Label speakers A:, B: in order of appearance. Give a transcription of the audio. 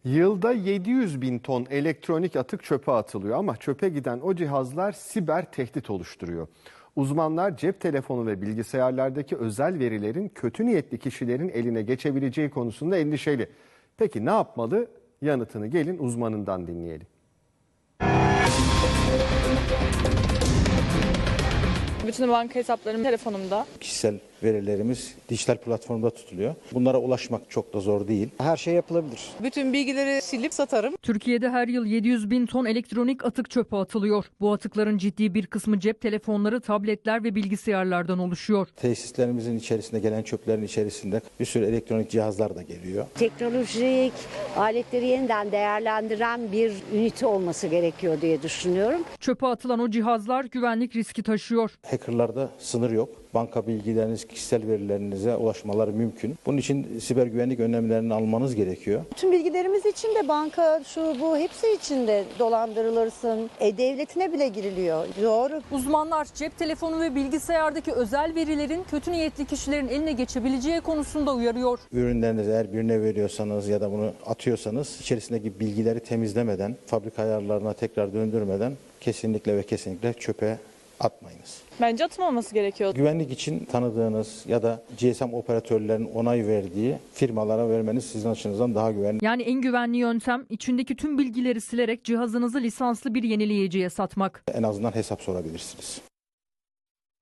A: Yılda 700 bin ton elektronik atık çöpe atılıyor ama çöpe giden o cihazlar siber tehdit oluşturuyor. Uzmanlar cep telefonu ve bilgisayarlardaki özel verilerin kötü niyetli kişilerin eline geçebileceği konusunda endişeli. Peki ne yapmalı? Yanıtını gelin uzmanından dinleyelim.
B: Bütün banka hesaplarım telefonumda.
C: Kişisel verilerimiz dijital platformda tutuluyor. Bunlara ulaşmak çok da zor değil.
D: Her şey yapılabilir.
E: Bütün bilgileri silip satarım.
F: Türkiye'de her yıl 700 bin ton elektronik atık çöpe atılıyor. Bu atıkların ciddi bir kısmı cep telefonları, tabletler ve bilgisayarlardan oluşuyor.
C: Tesislerimizin içerisinde gelen çöplerin içerisinde bir sürü elektronik cihazlar da geliyor.
G: Teknolojik aletleri yeniden değerlendiren bir ünite olması gerekiyor diye düşünüyorum.
F: Çöpe atılan o cihazlar güvenlik riski taşıyor.
C: Hackerlarda sınır yok. Banka bilgileriniz, kişisel verilerinize ulaşmaları mümkün. Bunun için siber güvenlik önlemlerini almanız gerekiyor.
H: Tüm bilgilerimiz içinde, banka, şu bu hepsi içinde dolandırılırsın. E-Devleti'ne bile giriliyor. Doğru.
F: Uzmanlar cep telefonu ve bilgisayardaki özel verilerin kötü niyetli kişilerin eline geçebileceği konusunda uyarıyor.
C: Ürünlerinizi eğer birine veriyorsanız ya da bunu atıyorsanız içerisindeki bilgileri temizlemeden, fabrika ayarlarına tekrar döndürmeden kesinlikle ve kesinlikle çöpe atmayınız.
B: Bence atılmaması gerekiyor.
C: Güvenlik için tanıdığınız ya da GSM operatörlerinin onay verdiği firmalara vermeniz sizin açınızdan daha güvenli.
F: Yani en güvenli yöntem içindeki tüm bilgileri silerek cihazınızı lisanslı bir yenileyiciye satmak.
C: En azından hesap sorabilirsiniz.